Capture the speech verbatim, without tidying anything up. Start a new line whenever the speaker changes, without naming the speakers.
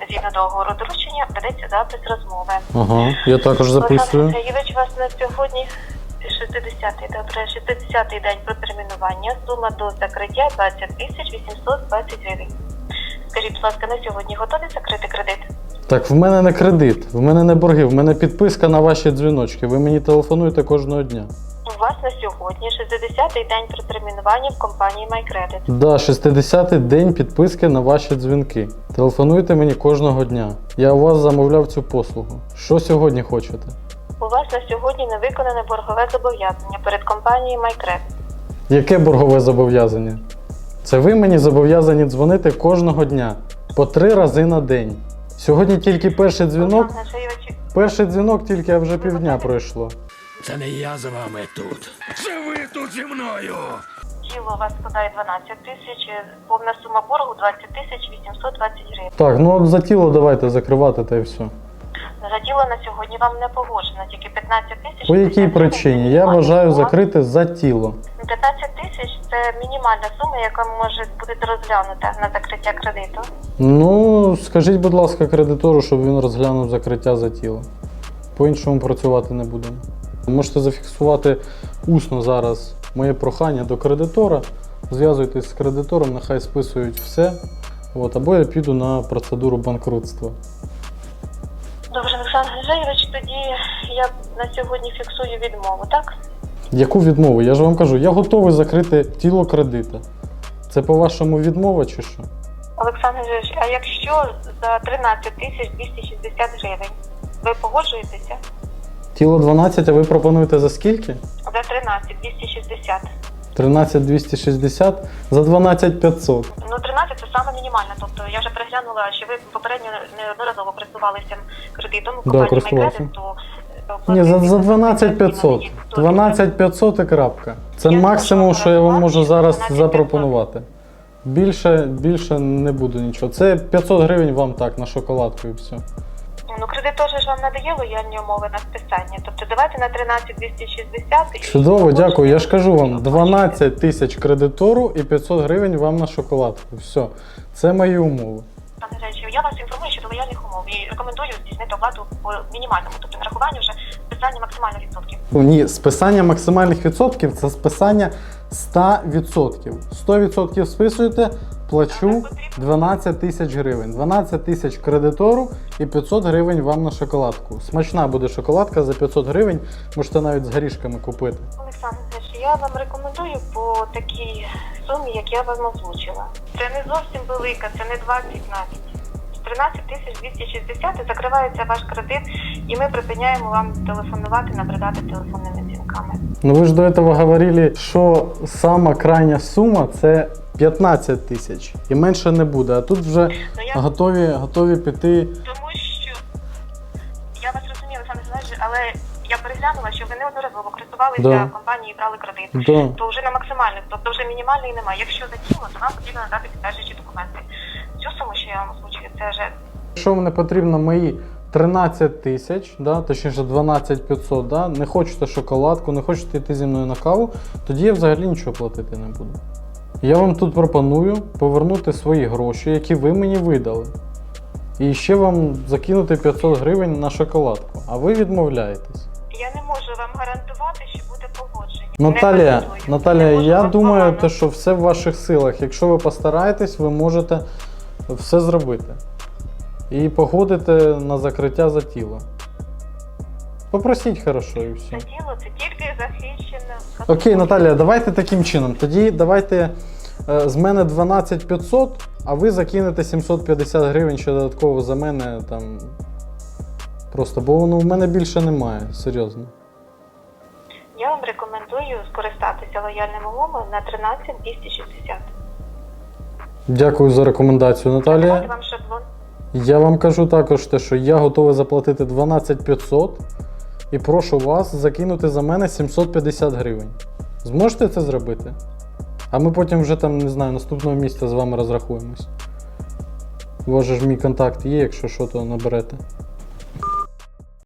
Згідно договору доручення ведеться запис розмови.
Ага, я також записую.
Олександр Сергійович, у вас на сьогодні шістдесятий, добре, шістдесятий день протермінування. Сума до закриття двадцять тисяч вісімсот двадцять гривень. Скажіть, будь ласка, на сьогодні готові закрити кредит?
Так, в мене не кредит, в мене не борги, в мене підписка на ваші дзвіночки. Ви мені телефонуєте кожного дня.
У вас на сьогодні шістдесятий день протермінування в компанії MyCredit.
Да, шістдесятий день підписки на ваші дзвінки. Телефонуйте мені кожного дня. Я у вас замовляв цю послугу. Що сьогодні хочете?
У вас на сьогодні не виконане боргове зобов'язання перед компанією MyCredit.
Яке боргове зобов'язання? Це ви мені зобов'язані дзвонити кожного дня. По три рази на день. Сьогодні тільки перший дзвінок.
Олександр Сергійович,
Перший дзвінок тільки, а вже півдня пройшло.
Це не я з вами тут. Це ви тут зі мною.
тіло у вас складає дванадцять тисяч, повна сума боргу двадцять тисяч вісімсот двадцять гривень.
Так, ну от за тіло давайте закривати та й все.
За тіло на сьогодні вам не погоджено, тільки п'ятнадцять тисяч.
По якій причині? Я вважаю закрити за тіло.
п'ятнадцять тисяч – це мінімальна сума, яка може бути розглянута на закриття кредиту.
Ну, скажіть, будь ласка, кредитору, щоб він розглянув закриття за тіло. По-іншому працювати не будемо. Можете зафіксувати усно зараз моє прохання до кредитора. Зв'язуйтесь з кредитором, нехай списують все. От, або я піду на процедуру банкрутства.
Добре, Олександр Сергійович, тоді я на сьогодні фіксую відмову, так?
Яку відмову? Я ж вам кажу, я готовий закрити тіло кредита. Це по-вашому відмова чи що?
Олександр Сергійович, а якщо за тринадцять тисяч двісті шістдесят гривень, ви погоджуєтеся?
Тіло дванадцять, а ви пропонуєте за скільки?
За тринадцять двісті шістдесят.
тринадцять двісті шістдесят за дванадцять п'ятсот.
Ну, тринадцять – це саме мінімальне. Тобто я вже переглянула, що ви попередньо неодноразово користувалися кредитом у
Да,
компанії
користувався.
MyCredit, то...
Ні, за, за дванадцять п'ятсот. дванадцять п'ятсот і крапка. Це максимум, що я вам можу зараз запропонувати. Більше, більше не буду нічого. Це п'ятсот гривень вам так, на шоколадку і все.
Ну, кредитор же ж вам надає лояльні умови на списання. Тобто давайте на тринадцять двісті шістдесят. і-
Чудово, дякую. Я ж кажу вам, дванадцять тисяч кредитору і п'ятсот гривень вам на шоколадку. Все. Це мої умови.
Пане Речі, я вас інформую щодо лояльних умов і рекомендую здійснити оплату по мінімальному, тобто нарахування вже списання максимальних відсотків.
Ні, списання максимальних відсотків – це списання сто відсотків. сто відсотків списуєте, плачу дванадцять тисяч гривень. дванадцять тисяч кредитору і п'ятсот гривень вам на шоколадку. Смачна буде шоколадка за п'ятсот гривень, можете навіть з горішками купити.
Олександр Сергійович, я вам рекомендую по такій сумі, як я вам озвучила. Це не зовсім велика, це не двадцять навіть. тринадцять тисяч двісті шістдесят і закривається ваш кредит, і ми припиняємо вам телефонувати, набридати телефонними дзвінками.
Ну ви ж до цього говорили, що сама крайня сума – це п'ятнадцять тисяч. І менше не буде. А тут вже
Ну, я...
готові, готові піти.
Тому що я вас розумію, Олександр Сергійович, але я переглянула, що ви неодноразово користувалися
Да.
компанією і брали кредит.
Да.
То вже на максимальних, тобто вже мінімальної немає. Якщо за тіло, то вам потрібно надати підтверджуючі документи. Цю суму, що я вам озвучую, це вже
Якщо мені потрібно мої тринадцять тисяч, да, точніше дванадцять п'ятсот, да, не хочете шоколадку, не хочете йти зі мною на каву, тоді я взагалі нічого платити не буду. Я вам тут пропоную повернути свої гроші, які ви мені видали. І ще вам закинути п'ятсот гривень на шоколадку. А ви відмовляєтесь.
я не можу вам гарантувати, що буде погодження.
Наталія,
Не гарантую.
Наталія,
Не можу
я
вам
думаю,
погано.
те, що все в ваших силах. Якщо ви постараєтесь, ви можете все зробити. І погодите на закриття за тіло. Попросіть хорошо і все.
Це тіло, це тільки захищено.
Окей, Наталія, давайте таким чином. Тоді давайте е, з мене дванадцять п'ятсот, а ви закинете сімсот п'ятдесят гривень ще додатково за мене там. Просто, бо воно в мене більше немає, серйозно.
Я вам рекомендую скористатися лояльними умовами на тринадцять двісті шістдесят.
Дякую за рекомендацію,
Давайте
Наталія.
вам шаблон.
Я вам кажу також те, що я готовий заплатити дванадцять п'ятсот і прошу вас закинути за мене сімсот п'ятдесят гривень. Зможете це зробити? А ми потім вже там, не знаю, наступного місяця з вами розрахуємось. У вас же ж мій контакт є, якщо що, то наберете.